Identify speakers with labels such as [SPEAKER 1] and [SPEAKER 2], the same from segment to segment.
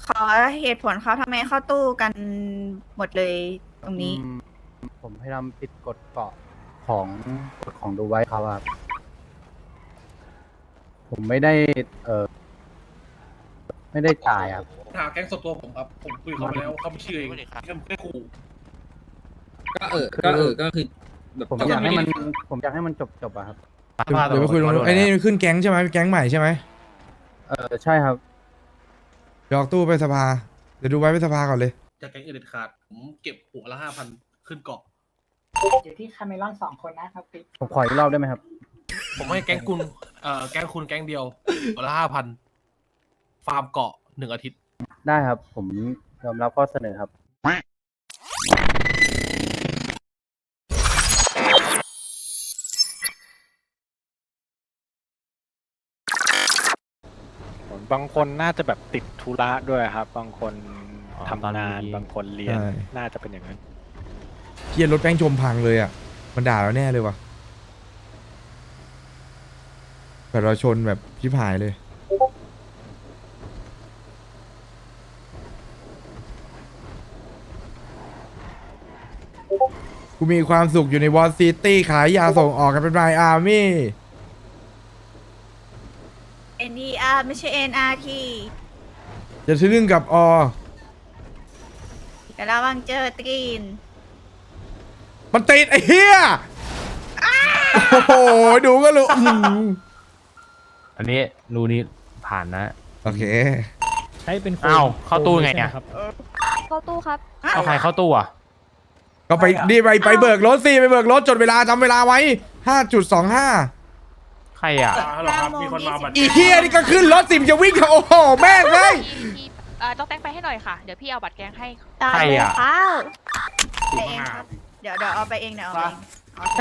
[SPEAKER 1] ขอเหตุผลเขาทำไมเข้าตู้กันหมดเลยตรงนี้
[SPEAKER 2] ผมพยายามผิดกฎเกาะของกฎของดูไว้ครับ ผมไม่ได้ไม่ได้จ่ายครับ
[SPEAKER 3] หาแก๊งส่วนตัวผมครับ ผมคุยเขาไปแล้วเขาไม่เชื่อเองแค่ขู่
[SPEAKER 4] ก็คือแบบ
[SPEAKER 2] ผมอยากให้มันจบอะครับ
[SPEAKER 5] เดี๋ยวไปคุยตรงนู้นไอ้นี่ขึ้นแก๊งใช่ไหมแก๊งใหม่ใช่ไหม
[SPEAKER 2] ใช่ครับ
[SPEAKER 5] เดี๋ยวออกตู้ไปสภาเดี๋ยวดูไว้ไปสภาก่อนเลย
[SPEAKER 3] จากแก๊งเอเดนขาด ผมเก็บหัวละ5,000ขึ้นเกาะ
[SPEAKER 6] อยู่ที่คาเมลอน2 คนนะครับปิ๊ก
[SPEAKER 2] ผมขออีกรอบได้ไหมครับ
[SPEAKER 3] ผมให้แก๊งคุณแก๊งคุณแก๊งเดียวหัวละ5,000ฟาร์มเกาะ1 อาทิตย์
[SPEAKER 2] ได้ครับ ผมยอมรับข้อเสนอครับ
[SPEAKER 7] บางคนน่าจะแบบติดธุระด้วยครับ บางคน
[SPEAKER 8] อ๋อ
[SPEAKER 7] ทำงาน
[SPEAKER 8] ตอนนี้
[SPEAKER 7] บางคนเรียน
[SPEAKER 5] ใช่
[SPEAKER 7] น่าจะเป็นอย่างนั้น
[SPEAKER 5] เฮียรถแป้งชมพังเลยอ่ะมันด่าเราแน่เลยว่ะแบบเราชนแบบชิบหายเลยกูมีความสุขอยู่ในวอลซิตี้ขายยาส่งออกกันเป็นรายอาร์มี่
[SPEAKER 1] NDR ไม่ใช่ NRT
[SPEAKER 5] จะทะลึ่งกับอ
[SPEAKER 1] แต่ระวังเจอตรีน
[SPEAKER 5] มันติดไอ้เหี้ยโอ้โหดูก็รู้อื้อหือ
[SPEAKER 8] อันนี้รูนี้ผ่านนะ
[SPEAKER 5] โอเค
[SPEAKER 4] ใช้เป็น
[SPEAKER 8] อ้าวเข้าตู้ไงเนี่ย
[SPEAKER 9] เข้าตู้ครับ
[SPEAKER 8] เอาใครเข้าตู้อ่ะ
[SPEAKER 5] ก็ไปดีไปเบิกรถสิไปเบิกรถจดเวลาจำเวลาไว้ 5.25
[SPEAKER 8] ใครอ่ะ
[SPEAKER 3] ฮัลโหลครับ มีคนมาบัตร
[SPEAKER 5] อีเหี้ยนี่ก็ขึ้นรถสิมจะวิ่งเขาโอ้โหแม่งเลย
[SPEAKER 9] พี่ต้องแตงไปให้หน่อยค่ะ เดี๋ยวพี่เอาบัตรแกงให้
[SPEAKER 1] ตาม
[SPEAKER 8] ใคร
[SPEAKER 1] เลย
[SPEAKER 8] อะ
[SPEAKER 1] ครับไปเองครับ เดี๋ยวเอาไปเองเดี๋ยวเอาไปเองเอาไป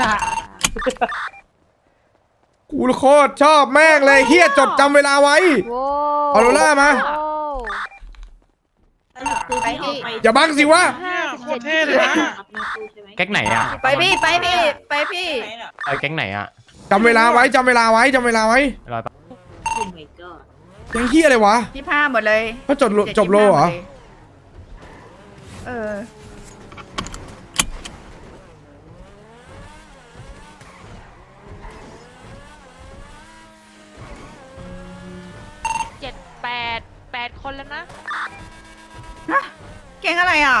[SPEAKER 5] กูโคตรชอบแม่งเลยเฮียจดจำเวลาไว้
[SPEAKER 9] โว้
[SPEAKER 5] ออโรร่ามา
[SPEAKER 9] โว้
[SPEAKER 1] ไปพี่
[SPEAKER 5] อย่าบังสิวะ
[SPEAKER 9] โคตรเท่เลยนะ
[SPEAKER 8] แก๊งไหนอ่ะ
[SPEAKER 1] ไปพี่ไปพี่ไปพี่
[SPEAKER 8] แก๊งไหนอ่ะ
[SPEAKER 5] จำเวลาไว้จำเวลาไว้จำเวลาไว้
[SPEAKER 8] รอแป๊บ
[SPEAKER 5] ยังเฮียอะไรวะ
[SPEAKER 1] 25หมดเลย
[SPEAKER 5] เขาจบโลเหรอ
[SPEAKER 1] เออ
[SPEAKER 9] 8 คนแล้วนะ
[SPEAKER 1] เก่งอะไรอ่ะ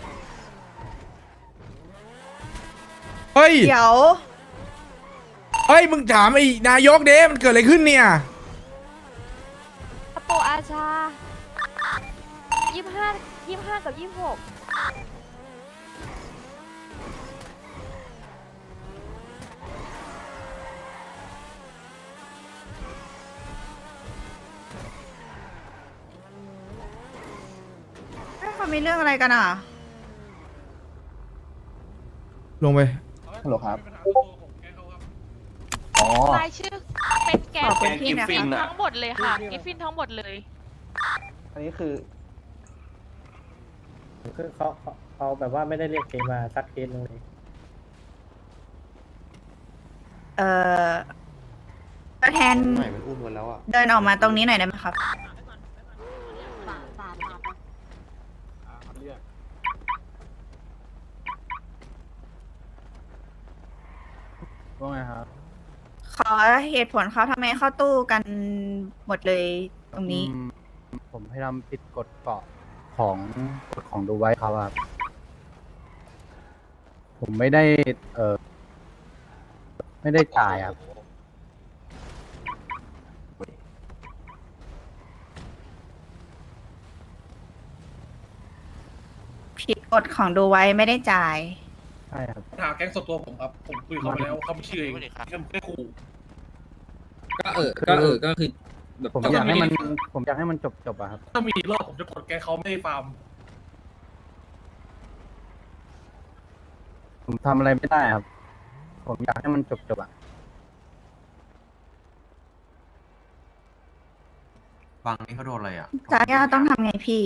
[SPEAKER 5] เฮ้ย
[SPEAKER 1] เดี๋ยว
[SPEAKER 5] เฮ้ยมึงถามไอ้นายกเด้มันเกิดอะไรขึ้นเนี่ย
[SPEAKER 9] อโปอาชา25กับ26
[SPEAKER 1] เขามีเรื่องอะไรกันอ่ะ
[SPEAKER 5] ลงไป
[SPEAKER 2] ฮัลโหลครับ
[SPEAKER 9] รายชื่อเป็นแกง
[SPEAKER 1] ขอบคุณพี่
[SPEAKER 9] กิฟ
[SPEAKER 1] นะ
[SPEAKER 9] ฟิน
[SPEAKER 1] คะ
[SPEAKER 9] ทั้งหมดเลยค่ะ กิฟฟินทั้งหมดเลย
[SPEAKER 6] อันนี้คือเขาแบบว่าไม่ได้เรียกเคสมาสักเคสหนึงเลย
[SPEAKER 1] ตัวแทนเดินออกมาตรงนี้หน่อยได้ไหมครับ
[SPEAKER 2] ว่าไงครับ
[SPEAKER 1] ขอเหตุผลเขาทำไมเข้าตู้กันหมดเลยตรงนี้
[SPEAKER 2] ผมพยายามผิดกฎเกาะของกฎของดูไว้ครับ ผมไม่ได้ไม่ได้จ่ายครับ
[SPEAKER 1] ผิดกฎของดูไว้ไม่ได้จ่าย
[SPEAKER 2] ใช่ครับ
[SPEAKER 3] หาแก๊งส่วนตัวผมครับ ผมคุยเขาไปแล้วเขาไม่เชื่อเองแค่ขู่
[SPEAKER 4] ก็คือแบบ
[SPEAKER 2] ผมอยากให้มันจบอะครับ
[SPEAKER 3] ถ้ามีอีกรอบผมจะกดแก๊งเขาไม่ให้ฟาร์ม
[SPEAKER 2] ผมทำอะไรไม่ได้ครับ ผมอยากให้มันจบอะ
[SPEAKER 10] ฟังนี่เขาโดนอะไรอ่ะ
[SPEAKER 1] จากย่าต้องทำไงพี่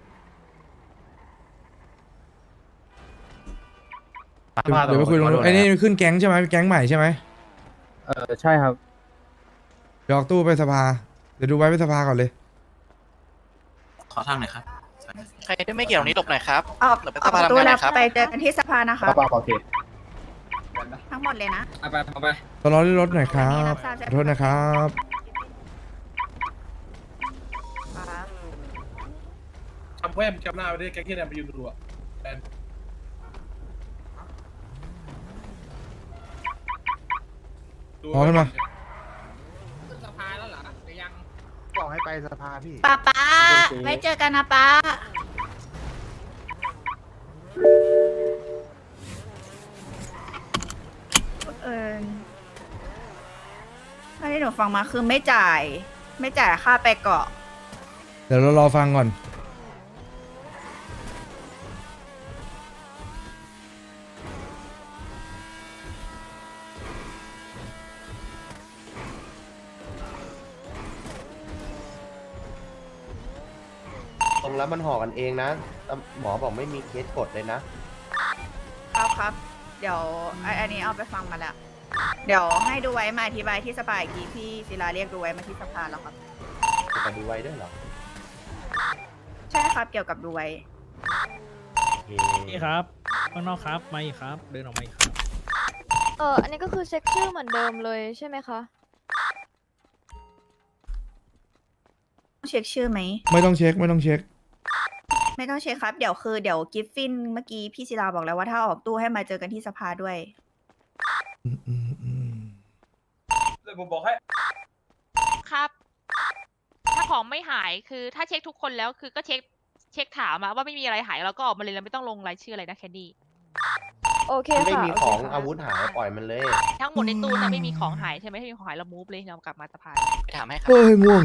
[SPEAKER 5] เดี๋ยวไปคุยตรงนู้นไอ้นี่ขึ้นแก๊งใช่ไหมแก๊งใหม่ใช่ไหม
[SPEAKER 2] ใช่ครับ
[SPEAKER 5] เดี๋ยวออกตู้ไปสภาเดี๋ยวดูไว้ไปสภาก่อนเลย
[SPEAKER 10] อทางไหนครับ
[SPEAKER 7] ใครที่ไม่เกี่ยวนี้หลบหน่อยครับ
[SPEAKER 1] ออก
[SPEAKER 7] เดี๋ยวไป
[SPEAKER 1] ออก
[SPEAKER 7] สภา
[SPEAKER 1] ตู้
[SPEAKER 7] ทำงานหน่
[SPEAKER 1] แล้
[SPEAKER 7] อ
[SPEAKER 1] วย
[SPEAKER 7] ครับ
[SPEAKER 1] ไปเจอกันที่สภานะคะ
[SPEAKER 2] ป้าโอเค
[SPEAKER 1] ทั้งหมดเลยนะ
[SPEAKER 4] เอาไป
[SPEAKER 5] ตลอดรถหน่อยครับ
[SPEAKER 1] อันนี้รับทราบ
[SPEAKER 5] ขอโทษนะครับ
[SPEAKER 3] ทำแว่นจำหน้าไปด้วยแก๊งที่แนมไปยืนดูอะแอน
[SPEAKER 5] พอขึ้นมา
[SPEAKER 4] สภาแล้วเหรอหรือยัง
[SPEAKER 2] บอกให้ไปสภาพี่
[SPEAKER 1] ป้าไว้เจอกันนะป้าถ้าที่หนูฟังมาคือไม่จ่ายค่าไปเกาะ
[SPEAKER 5] เดี๋ยวเรารอฟังก่อน
[SPEAKER 11] ตรงแล้วมันห่อกันเองนะแต่หมอบอกไม่มีเคสกดเลยนะ
[SPEAKER 1] ครับ เดี๋ยวอันนี้เอาไปฟังมาแล้ว เดี๋ยวให้ดูไว้มาอธิบายที่สภาอีกทีพี่ศิลาเรียกดูไว้มาที่สภาแล้วครับ
[SPEAKER 11] จะดูไว้ด้วยเหรอ
[SPEAKER 1] ใช่ครับเกี่ยวกับดูไว้
[SPEAKER 11] โอเค
[SPEAKER 4] นี่ครับข้างนอกครับมาอีกครับ เดินออกมาอีกครับ
[SPEAKER 9] อันนี้ก็คือเช็คชื่อเหมือนเดิมเลยใช่ไหมคะ
[SPEAKER 1] ต้องเช็คชื่อไหม
[SPEAKER 5] ไม่ต้องเช็ค
[SPEAKER 1] ไม่ต้องเช็คครับ เดี๋ยวกิฟฟินเมื่อกี้พี่ศิลาบอกแล้วว่าถ้าออกตู้ให้มาเจอกันที่สภาด้วย
[SPEAKER 3] เลยผมบอกให้
[SPEAKER 9] ครับ ถ้าของไม่หายคือถ้าเช็คทุกคนแล้วคือก็เช็คถามมาว่าไม่มีอะไรหายเราก็ออกมาเลยเราไม่ต้องลงรายชื่ออะไรนะแคนดี้ โอเค
[SPEAKER 11] มันไม่
[SPEAKER 9] ค่ะ
[SPEAKER 11] มีของอาวุธหายปล่อยมันเลย
[SPEAKER 9] ทั้งหมดในตู้นะไม่มีของหายใช่ไหมถ้ามีของหายเรามูฟเลยเรากลับมาสภา
[SPEAKER 7] ไปถามให้ครับ
[SPEAKER 5] เฮ้ยง่วง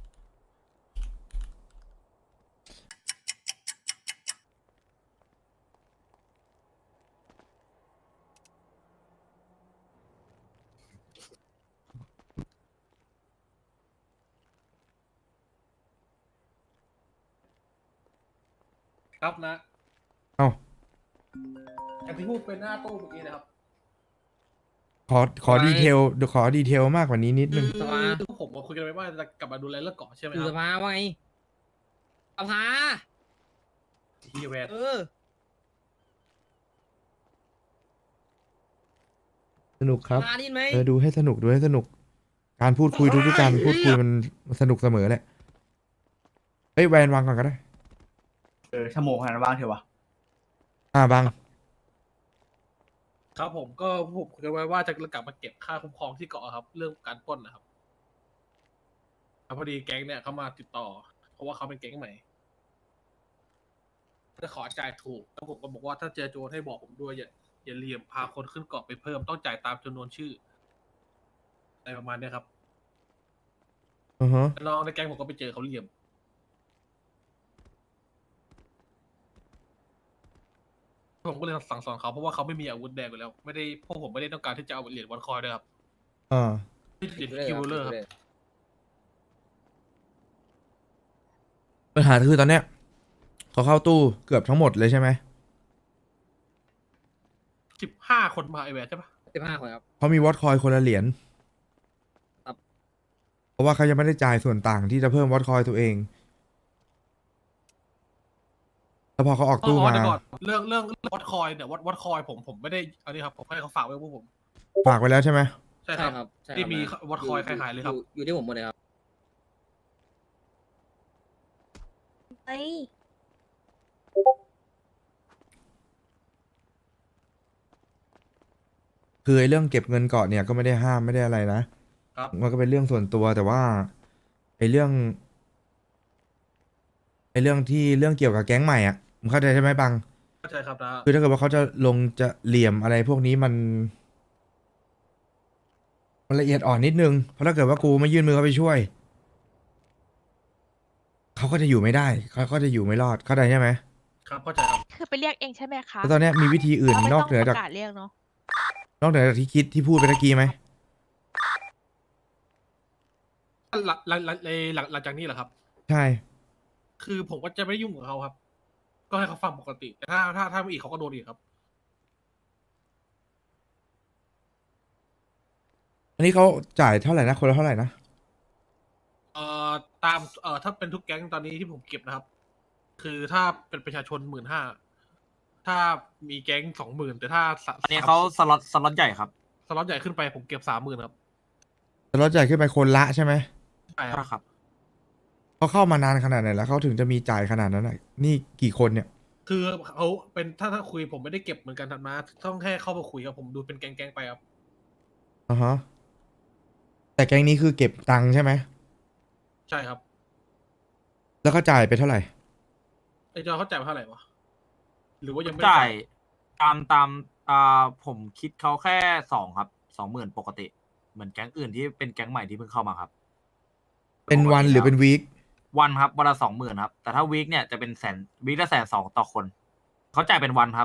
[SPEAKER 3] ครับนะ
[SPEAKER 5] เอ้า
[SPEAKER 3] อย่างที่พูดเป็นหน้าตู้เมื่อกี้นะครับ
[SPEAKER 5] ขอดีเทลเดี๋ยวขอดีเทลมากกว่านี้นิดนึง
[SPEAKER 3] คือผมคุยกันไปว่าจะกลับมาดูแลเรื่องเกาะใช่ไหม
[SPEAKER 4] คือ
[SPEAKER 3] ค
[SPEAKER 4] ส
[SPEAKER 3] รับ
[SPEAKER 4] ภาว่าไงสภา
[SPEAKER 3] ที่แวน
[SPEAKER 5] สนุกครับ
[SPEAKER 4] สภาได้ยินไหม
[SPEAKER 5] ดูให้สนุกดูให้สนุก การพูดคุยทุกๆการพูดคุยมันสนุกเสมอแหละ เฮ้ยแวนวางก่อนก็ได้
[SPEAKER 10] ชั่วโมงขนาดนั้นว่างเถอะวะ
[SPEAKER 5] บัง
[SPEAKER 3] ครับผมก็ผมคุยกันไว้ว่าจะกลับมาเก็บค่าคุ้มครองที่เกาะครับ เรื่องการปล้นนะครับแล้วพอดีแก๊งเนี่ยเขามาติดต่อ เพราะว่าเขาเป็นแก๊งใหม่จะขอจ่ายถูกแล้วผมก็บอกว่าถ้าเจอโจรให้บอกผมด้วยอย่าเหลี่ยมพาคนขึ้นเกาะไปเพิ่มต้องจ่ายตามจำนวนชื่ออะไรประมาณเนี้ยครับ
[SPEAKER 5] อือฮะ
[SPEAKER 3] แล้วน้องในแก๊งผมก็ไปเจอเขาเหลี่ยม ผมก็เลยสั่งสอนเขาเพราะว่าเขาไม่มีอาวุธแดงอยู่แล้ว ไม่ได้พวกผมไม่ได้ต้องการที่จะเอาเหรียญวันคอยด้วยครับ เหรียญคิวเลอร์ครับ
[SPEAKER 5] ปัญหาคือตอนเนี้ยเขาเข้าตู้เกือบทั้งหมดเลยใช่ไหม
[SPEAKER 3] 15 คนมาไอแวนใช่ปะ
[SPEAKER 4] 15 คนครับ
[SPEAKER 5] เขามีวอตคอยคนละเหรียญ
[SPEAKER 4] ครับ
[SPEAKER 5] เพราะว่าเขายังไม่ได้จ่ายส่วนต่างที่จะเพิ่มวอตคอยตัวเอง แล้วพอเขาออกตู้มา
[SPEAKER 3] เดี๋ยวก่อนเรื่องวัดคอยเนี่ยวัดคอยผมไม่ได้อันนี้ครับผมให้เขาฝากไว้พวกผม
[SPEAKER 5] ฝากไว้แล้วใช่ไหม
[SPEAKER 3] ใช่ครับที่มีวัดคอยใครหายเลยครับ
[SPEAKER 4] อยู่ที่ผมหมดเลยครับ
[SPEAKER 1] เฮ้ย
[SPEAKER 5] คือไอ้เรื่องเก็บเงินเกาะเนี่ยก็ไม่ได้ห้ามไม่ได้อะไรนะครับ มันก็เป็นเรื่องส่วนตัวแต่ว่าไอ้เรื่องที่เรื่องเกี่ยวกับแก๊งใหม่อ่ะผมเข้าใจใช่ไหมบัง
[SPEAKER 3] เข้าใจครับนะ
[SPEAKER 5] คือถ้าเกิดว่าเขาจะลงจะเหลี่ยมอะไรพวกนี้มันละเอียดอ่อนนิดนึงเพราะถ้าเกิดว่ากูไม่ยื่นมือเข้าไปช่วยเขาก็จะอยู่ไม่ได้เขาก็จะอยู่ไม่รอดเข้าใจใช่ไหม
[SPEAKER 3] ครับเข้าใจครับ
[SPEAKER 9] คือไปเรียกเองใช่ไหมคะ
[SPEAKER 5] แล้วตอนเนี้ยมีวิธีอื่น
[SPEAKER 9] เราไม่
[SPEAKER 5] น
[SPEAKER 9] ต้
[SPEAKER 5] อกเหนือ
[SPEAKER 9] ป
[SPEAKER 5] จาก
[SPEAKER 9] ระกาศเรียกเนาะ
[SPEAKER 5] นอกเหนือจากที่คิดที่พูดไปตะกี้ไหม
[SPEAKER 3] หลังจากนี้เหรอครับ
[SPEAKER 5] ใช่
[SPEAKER 3] คือผมก็จะไม่ยุ่งกับเขาครับ ก็ให้เขาฟังปกติ แต่ถ้าไม่อีกเขาก็โดนอีกครับ
[SPEAKER 5] อันนี้เขาจ่ายเท่าไหร่นะคนละเท่าไหร่นะ
[SPEAKER 3] ตามถ้าเป็นทุกแก๊งตอนนี้ที่ผมเก็บนะครับคือถ้าเป็นประชาชน15,000ถ้ามีแก๊ง20,000แต่ถ้า
[SPEAKER 10] อันนี้เขาสล็อตใหญ่ครับ
[SPEAKER 3] สล็อตใหญ่ขึ้นไปผมเก็บ30,000ครับ
[SPEAKER 5] แต่รถใหญ่ขึ้นไปคนละใช่ไหม
[SPEAKER 3] ใช่ครับ
[SPEAKER 5] เขาเข้ามานานขนาดไหนแล้วเขาถึงจะมีจ่ายขนาดนั้นน่ะนี่กี่คนเนี่ย
[SPEAKER 3] คือเขาเป็นถ้าคุยผมไม่ได้เก็บเหมือนกันทันมาต้องแค่เข้ามาคุยกับผมดูเป็นแก๊งๆไปครับ
[SPEAKER 5] อ่าฮะแต่แก๊งนี้คือเก็บตังค์ใช่ไหม
[SPEAKER 3] ใช่ครับ
[SPEAKER 5] แล้วเขาจ่ายไปเท่าไหร่
[SPEAKER 3] ไอ้จอเขาจ่ายมาเท่าไหร่วะหรือว่ายังไม่ได้
[SPEAKER 10] จ่ายตามผมคิดเขาแค่2ครับ20,000ปกติเหมือนแก๊งอื่นที่เป็นแก๊งใหม่ที่เพิ่งเข้ามาครับ
[SPEAKER 5] เป็นวันหรือเป็นวีค
[SPEAKER 10] วันครับวันละ20,000ครับแต่ถ้าวีคเนี่ยจะเป็นวีคละ120,000ต่อคนเขาจ่ายเป็นวันครับ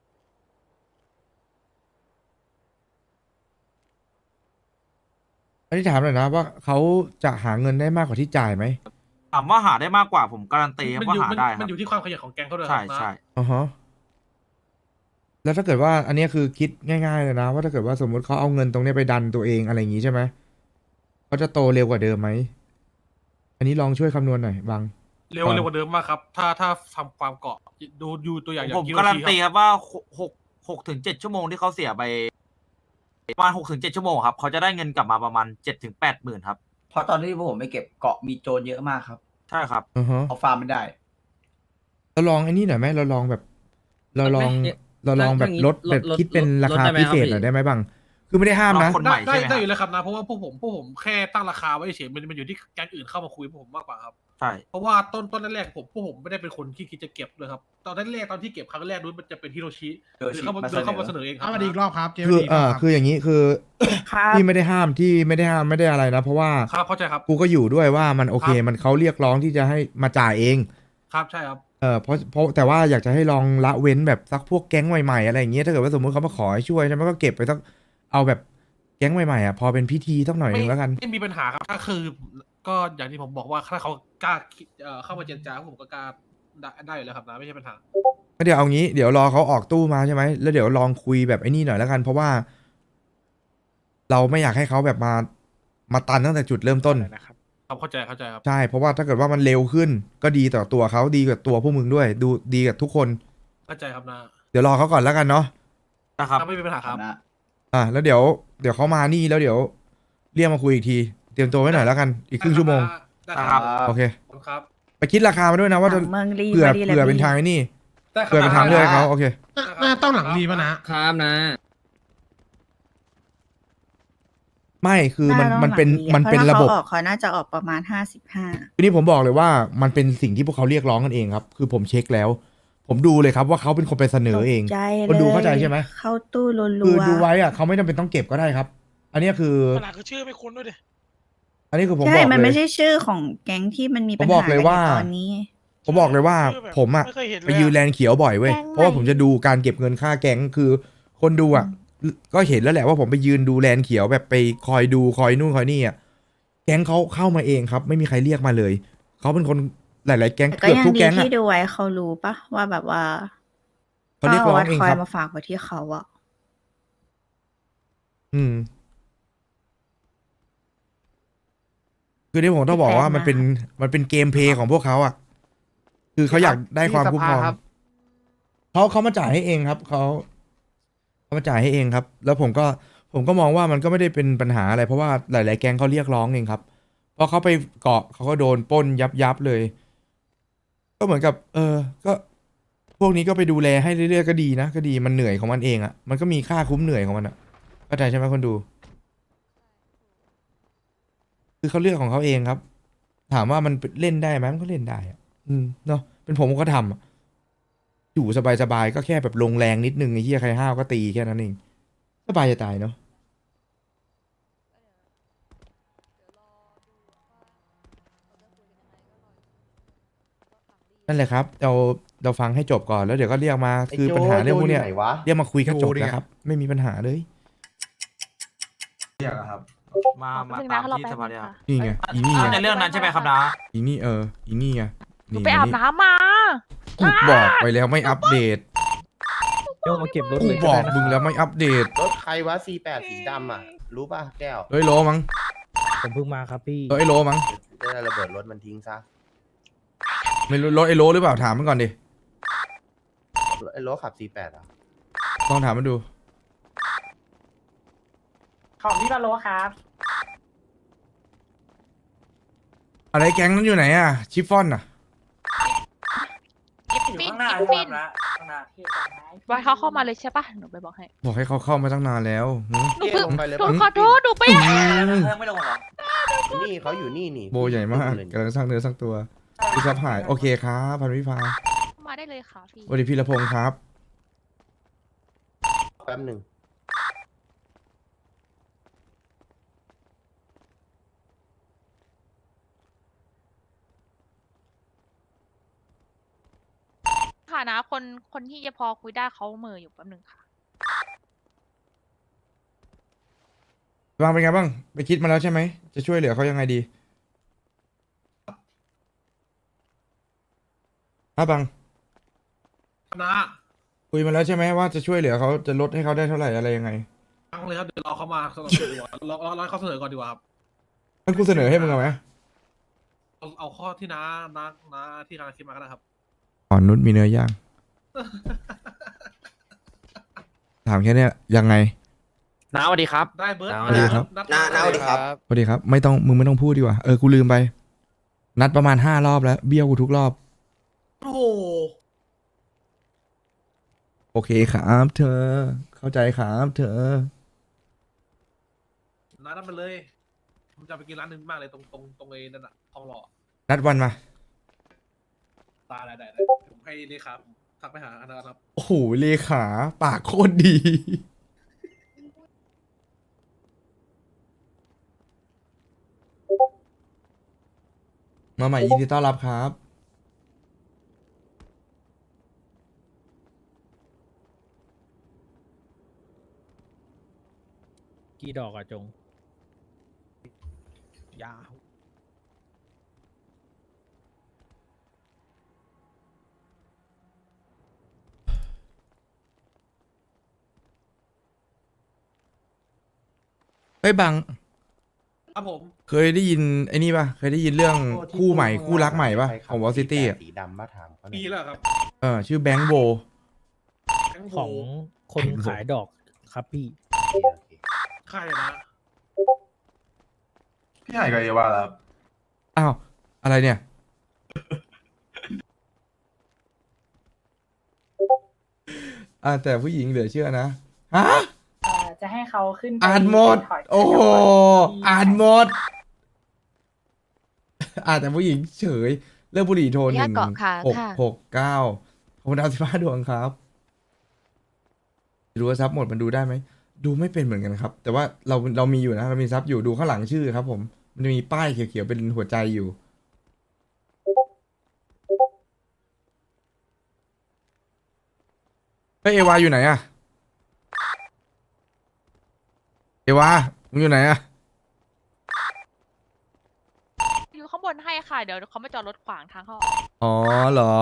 [SPEAKER 5] อันนี้ถามหน่อยนะว่าเขาจะหาเงินได้มากกว่าที่จ่ายไหม
[SPEAKER 10] ถามว่าหาได้มากกว่าผมการันตีครับ
[SPEAKER 3] มัน
[SPEAKER 10] ว่า
[SPEAKER 3] อยู่
[SPEAKER 10] หาได้ค
[SPEAKER 3] มั
[SPEAKER 10] รั
[SPEAKER 3] น
[SPEAKER 10] บ
[SPEAKER 3] อยู่ที่ความขยันของแก๊งเขาด้วย
[SPEAKER 10] ใช่
[SPEAKER 3] ครับนะ
[SPEAKER 10] ใช่
[SPEAKER 5] อ่าฮะแล้วถ้าเกิดว่าอันเนี้ยคือคิดง่ายๆเลยนะ ว่าถ้าเกิดว่าสมมติเขาเอาเงินตรงเนี้ยไปดันตัวเองอะไรอย่างงี้ใช่ไหมเขาจะโตเร็วกว่าเดิมไหมอันนี้ลองช่วยคำนวณหน่อยบาง
[SPEAKER 3] เร็วกว่าเดิมมากครับ ถ้าทำความเกาะดูตัวอย่าง
[SPEAKER 10] ผม
[SPEAKER 3] ฮิโร
[SPEAKER 10] การัน
[SPEAKER 3] ชิ
[SPEAKER 10] ตี
[SPEAKER 3] ค
[SPEAKER 10] ครับ รับว่า6 ถึง 7 ชั่วโมงที่เขาเสียไปประมาณ6 ถึง 7 ชั่วโมงครับเขาจะได้เงินกลับมาประมาณ7 ถึง 80,000ครับ
[SPEAKER 11] เพราะตอนที่พวกผมไปเก็บเกาะมีโจรเยอะมากครับ
[SPEAKER 10] ใช่ครับ
[SPEAKER 5] อือฮะ
[SPEAKER 11] เอาฟาร์มไม่ได้
[SPEAKER 5] เราลองไอ้นี่หน่อยไหมเราลองแบบ เราลองแบบลดแบบคิดเป็นราคาพิเศษหน่อยได้ไหมบางคือไม่ได้ห้ามนะ
[SPEAKER 10] คนใหม่
[SPEAKER 3] ได้
[SPEAKER 10] ใช่ไหมครับ
[SPEAKER 3] ได้อยู่แล้วครับนะเพราะว่าพวกผมแค่ตั้งราคาไว้เฉยมันอยู่ที่แก๊งอื่นเข้ามาคุยพวกผมมากกว่าครับ
[SPEAKER 10] ใช่
[SPEAKER 3] เพราะว่าต้นแรกๆพวกผมไม่ได้เป็นคนที่คิดจะเก็บเลยครับตอนแรกตอนที่เก็บครั้งแรกนู้นมันจะเป็นฮิโรชิ
[SPEAKER 11] ฮิโรชิ
[SPEAKER 3] หรือเข้ามาเสนอเองครับ
[SPEAKER 6] เอามาดีอีกรอบครับเจ
[SPEAKER 5] คือ
[SPEAKER 6] ดีกรอบ
[SPEAKER 5] คืออย่างนี้คือ
[SPEAKER 1] ครับ
[SPEAKER 5] ที่ไม่ได้ห้ามไม่ได้อะไรนะ เพราะว่า
[SPEAKER 3] ครับเข้าใจครับ
[SPEAKER 5] กูก็อยู่ด้วยว่ามันโอเค
[SPEAKER 3] ครับ
[SPEAKER 5] มันเขาเรียกร้องที่จะให้มาจ่ายเอง
[SPEAKER 3] ครับใช่ครับ
[SPEAKER 5] เพราะแต่ว่าอยากจะให้ลองละเว้นแบบสักพวกแก๊งใหม่ๆอะไรอย่างเงี้ยถ้าเกิดว่าสมมติเขามาขอให้ช่วยใช่ไหมก็เก็บไปสักเอาแบบแก๊งใหม่ๆอ่ะพอเป็นพิธีสักหน่อยนึงแล้วกัน
[SPEAKER 3] ไม่มีปัญหาครับถ้าคือก็อย่างที่ผมบอกว่าถ้าเขากล้าเข้ามาเจรจาผมก็กล้าได้อยู่แล้วครับนะไม่ใช่ปัญหา
[SPEAKER 5] ก็เดี๋ยวเอางี้เดี๋ยวรอเขาออกตู้มาใช่ไหมแล้วเดี๋ยวลองคุยแบบไอ้นี่หน่อยแล้วกัน เพราะว่า เราไม่อยากให้เขาแบบมาตันตั้งแต่จุดเริ่มต้น
[SPEAKER 7] นะครับ
[SPEAKER 3] ครับเข้าใจครับ
[SPEAKER 5] ใช่เพราะว่าถ้าเกิดว่ามันเร็วขึ้น ก็ดีต่อตัวเขาดีกับตัวพวกมึงด้วย ดูดีกับทุกคน
[SPEAKER 3] เข้าใจครับนะ
[SPEAKER 5] เดี๋ยวรอเขาก่อนแล้วกันเนาะ
[SPEAKER 10] นะครับ
[SPEAKER 3] ไม่มีปัญหาครับ
[SPEAKER 5] แล้วเดี๋ยวเขามานี่แล้วเดี๋ยวเรียกมาคุยอีกที เตรียมตัวไว้หน่อยแล้วกันอีกครึ่งชั่วโมง
[SPEAKER 3] ได้ครับ
[SPEAKER 5] โอเค
[SPEAKER 3] ครับ
[SPEAKER 5] ไปคิดราคามาด้วยนะว่าจะ
[SPEAKER 1] เมืองรี
[SPEAKER 5] เผื่อ
[SPEAKER 1] มาดีเลย
[SPEAKER 5] เป็น
[SPEAKER 1] พี่
[SPEAKER 5] ทางไอ้นี่
[SPEAKER 3] ได้ครับ
[SPEAKER 5] เผื่อเป็นทางเลือกให้เขาโอเค
[SPEAKER 6] น่าต้องหลังรีป่ะนะ
[SPEAKER 4] ครับนะ
[SPEAKER 5] ไม่คือมัน
[SPEAKER 1] ต้อง
[SPEAKER 5] มันเป็น
[SPEAKER 1] หลัง
[SPEAKER 5] มันเป็น
[SPEAKER 1] พา
[SPEAKER 5] ระบบ
[SPEAKER 1] ถ้าเขาออกเขาน่าจะออกประมาณ55
[SPEAKER 5] ทีนี้ผมบอกเลยว่ามันเป็นสิ่งที่พวกเขาเรียกร้องกันเองครับ คือผมเช็คแล้ว ผมดูเลยครับว่าเขาเป็นคนไปเสนอเอง
[SPEAKER 1] ตกใจ
[SPEAKER 5] คนดู
[SPEAKER 1] ลย
[SPEAKER 5] เข้าใจใช่ไหม
[SPEAKER 1] เข้าตู้รัวๆ
[SPEAKER 5] คือดูไว้อะเขาไม่จำเป็นต้องเก็บก็ได้ครับ อันนี้คือ
[SPEAKER 6] ขนาดคือชื่อไม่คุ้นด้วยดิ
[SPEAKER 5] อันนี้คือผม
[SPEAKER 1] ใช่
[SPEAKER 5] บอก
[SPEAKER 1] มัน
[SPEAKER 5] เล
[SPEAKER 1] ไม่
[SPEAKER 5] ย
[SPEAKER 1] ใช่ชื่อของแก๊งที่มันมีปัญ
[SPEAKER 5] ผมบ
[SPEAKER 1] หา
[SPEAKER 5] อกเลยว่า
[SPEAKER 1] ในตอนนี้
[SPEAKER 5] ผมบอกเลยว่า
[SPEAKER 6] ชื่อแบบ
[SPEAKER 5] ผมอะ
[SPEAKER 6] ไม่เคยเห็นเลย
[SPEAKER 5] ไปยืนแลนเขียวบ่อยเว้ย
[SPEAKER 1] แก๊งใหม่
[SPEAKER 5] เพราะว่าผมจะดูการเก็บเงินค่าแก๊งคือคนดูอะก็เห็นแล้วแหละว่าผมไปยืนดูแลนเขียวแบบไปคอยดูคอยนู่นคอยนี่อะแก๊งเขาเข้ามาเองครับ ไม่มีใครเรียกมาเลยเขาเป็นคนหลาย ๆ แก๊ง
[SPEAKER 1] แต่ก็
[SPEAKER 5] เกือบ
[SPEAKER 1] ยัง
[SPEAKER 5] ทุก
[SPEAKER 1] ดี
[SPEAKER 5] แก๊งอะ
[SPEAKER 1] ที่ดูไว้เขารู้ปะว่าแบบว่า
[SPEAKER 5] เขาเรียกร้องเอง
[SPEAKER 1] คอ
[SPEAKER 5] ค
[SPEAKER 1] ย
[SPEAKER 5] รับ
[SPEAKER 1] มาฝากไว้ที่เขาอะ
[SPEAKER 5] อืม คือที่ผมต้องบอกว่ามันเป็นเกมเพลย์ของพวกเขาอ่ะ คือเขาอยากได้ความคุ้มครองเขามาจ่ายให้เองครับเขามาจ่ายให้เองครับ แล้วผมก็มองว่ามันก็ไม่ได้เป็นปัญหาอะไรเพราะว่าหลาย ๆ แก๊งเขาเรียกร้องเองครับพอเขาไปเกาะเขาก็โดนปล้นยับเลย ก็เหมือนกับ ก็ พวกนี้ก็ไปดูแลให้เรื่อย ๆ ก็ดีนะก็ดีมันเหนื่อยของมันเองอ่ะมันก็มีค่าคุ้มเหนื่อยของมันอ่ะเข้าใจใช่ไหมคนดู คือเขาเลือกของเขาเองครับ ถามว่ามันเล่นได้ไหมมันก็เล่นได้อะเนาะเป็นผมก็ทำอะอยู่สบายๆก็แค่แบบลงแรงนิดนึงไอ้เหี้ยใครห้าวก็ตีแค่นั้นเองสบายจะตายเนาะนั่นแหละครับเราฟังให้จบก่อนแล้วเดี๋ยวก็เรียกมาคือปัญหาเรื่องพวกเนี้ย
[SPEAKER 11] ไโจยู่ไหวะ
[SPEAKER 5] เรียกมาคุยก็จบแล้วครับ ไม่มีปัญหาเลย
[SPEAKER 10] มา
[SPEAKER 9] แป๊บนึง
[SPEAKER 10] ตา
[SPEAKER 9] นะ
[SPEAKER 10] ม
[SPEAKER 9] รอ
[SPEAKER 10] ที่
[SPEAKER 9] แป๊
[SPEAKER 10] ส
[SPEAKER 9] บ
[SPEAKER 10] ภา
[SPEAKER 9] นึ
[SPEAKER 10] เนี่ย
[SPEAKER 9] งค่ะ
[SPEAKER 5] นี่ไงอีนี่ไง
[SPEAKER 10] ในเรื่องนั้นใช่ไหมครับนะ
[SPEAKER 5] อีนี่อีนี่ไง
[SPEAKER 9] หนูไปอาบน้ำมา
[SPEAKER 5] กูบอกไปแล้วไม่อัปเดต
[SPEAKER 7] โยกมาเก็บรถ
[SPEAKER 5] กู
[SPEAKER 7] เลย
[SPEAKER 5] บอก
[SPEAKER 7] ได้นะ
[SPEAKER 5] มึงแล้วไม่อัปเดต
[SPEAKER 11] รถใครวะ C8 สีดำอ่ะ รู้ป่ะแก้ว
[SPEAKER 5] เฮ้ยโลมั้ง
[SPEAKER 7] ผมเพิ่งมาครับพี่
[SPEAKER 5] เฮ้ยโลมั้ง
[SPEAKER 11] จะได้ระเบิดรถมันทิ้งซะ
[SPEAKER 5] ไม่รู้รถไอ้โลหรือเปล่าถามมันก่อนดิ
[SPEAKER 11] ไอ้โลขับ C8 อ่ะ
[SPEAKER 5] ลองถามมันดู
[SPEAKER 6] ของพี่บาโลครับ
[SPEAKER 5] อะไรแก๊งนั้นอยู่ไหนอะชิฟฟ่อนอะ
[SPEAKER 9] กิฟ
[SPEAKER 6] อยู่
[SPEAKER 9] ฟิน
[SPEAKER 6] ข้างหน้า
[SPEAKER 9] กิฟฟิน
[SPEAKER 6] ข้างหน้า
[SPEAKER 9] ไว้เขาเข้ามาเลยใช่ปะหนูไปบอกให้
[SPEAKER 5] บอกให้เขาเข้ามาตั้งนานแล้วหืม
[SPEAKER 9] หนูเพิ่ง
[SPEAKER 11] ลงไปเลย
[SPEAKER 9] หนูขอโทษหนูไป
[SPEAKER 6] ไม่ลงหรอ
[SPEAKER 11] นี่เขาอยู่นี่นี่
[SPEAKER 5] โบใหญ่มากกำลังสร้างเนื้อสร้างตัวพี่ซับหายโอเคครับพันวิภา
[SPEAKER 9] มาได้เลยค่ะพี่
[SPEAKER 5] สวัสดีพี่ละพงษ์ครับ
[SPEAKER 11] แป๊บหนึ่ง
[SPEAKER 9] ค่ะนะคนที่จะพอคุยได้เขาเหม่ออยู่แป๊บนึงค่ะ
[SPEAKER 5] บางเป็นไงบ้าง ไปคิดมาแล้วใช่ไหม จะช่วยเหลือเขายังไงดีบาง
[SPEAKER 3] นะ
[SPEAKER 5] คุยมาแล้วใช่ไหมว่าจะช่วยเหลือเขาจะลดให้เขาได้เท่าไหร่อะไรยังไง
[SPEAKER 3] ฟังเลยครับเดี๋ยวรอเขามาเสนอดีกว่ารอให้เขาเสนอก่อนดีกว่าครับ
[SPEAKER 5] งั้นกูเสนอให้มึงเอาไหม
[SPEAKER 3] เอาข้อที่น้าที่กำลังคิดมาก็ได้ครับ
[SPEAKER 5] อ่อนนุชมีเนื้อย่าง ถามแค่เนี้ยยังไง
[SPEAKER 8] น้าสวัสดีครับ
[SPEAKER 3] ได้เบิร์ด
[SPEAKER 5] สวัสดีครับ
[SPEAKER 11] น้าสวัสดีครับ
[SPEAKER 5] สวัสดีครับมึงไม่ต้องพูดดีกว่ากูลืมไป นัดประมาณ5 รอบแล้วเบี้ยวกูทุกรอบ
[SPEAKER 3] โอ้โห
[SPEAKER 5] โอเคครับเธอ เข้าใจครับเธอ
[SPEAKER 3] น้านัดไปเลย ผมจะไปกินร้านหนึงมากเลยตรงไอ้นั่นอะทองหล่อ
[SPEAKER 5] นัดวันมา
[SPEAKER 3] ได้ผมให้นี่ครับทักไปหาอันนะครับ
[SPEAKER 5] โอ้โหเลขาปากโคตรดี มาใหม่ยินดีต้อนรับครับ
[SPEAKER 4] กี่ดอกอะจง ยาว
[SPEAKER 5] เฮ้ยบัง
[SPEAKER 3] ครับผม
[SPEAKER 5] เคยได้ยินไอ้นี่ป่ะ เคยได้ยินเรื่องคู่ใหม่คู่รักใหม่ป่ะ ของวอลซิตี้อ่ะ
[SPEAKER 11] สีดำมาถามเขาหน่
[SPEAKER 3] ปี
[SPEAKER 11] อย
[SPEAKER 3] แล้วครับ
[SPEAKER 5] ชื่อแบงค์โบ
[SPEAKER 3] แก๊งโบ
[SPEAKER 4] ของคนขายดอกครับพี่
[SPEAKER 11] โอเค
[SPEAKER 3] ใครนะ
[SPEAKER 10] พี่หายกับเอวาแล้ว
[SPEAKER 5] อ้าว อะไรเนี่ย แต่ผู้หญิงเหลือเชื่อนะ ฮะ
[SPEAKER 6] จะให้เขาขึ้น
[SPEAKER 5] อ่านหมด โอ้โห อ่านหมด แต่ผู้หญิงเฉย เลิกบุหรี่โทร
[SPEAKER 9] อยากเกาะขาค่ะ
[SPEAKER 5] 1669ขอบคุณดาว15 ดวงครับดูว่าซับหมดมันดูได้ไหม ดูไม่เป็นเหมือนกันครับ แต่ว่าเรามีอยู่นะ เรามีซับอยู่ดูข้างหลังชื่อครับผม มันจะมีป้ายเขียวๆเป็นหัวใจอยู่ เฮ้ยเอวาอยู่ไหนอะเอวามึงอยู่ไหนอะ
[SPEAKER 9] อยู่ข้างบนให้ค่ะ เดี๋ยวเขามาจอดรถขวางทางเข้าออก
[SPEAKER 5] อ๋อเหรอ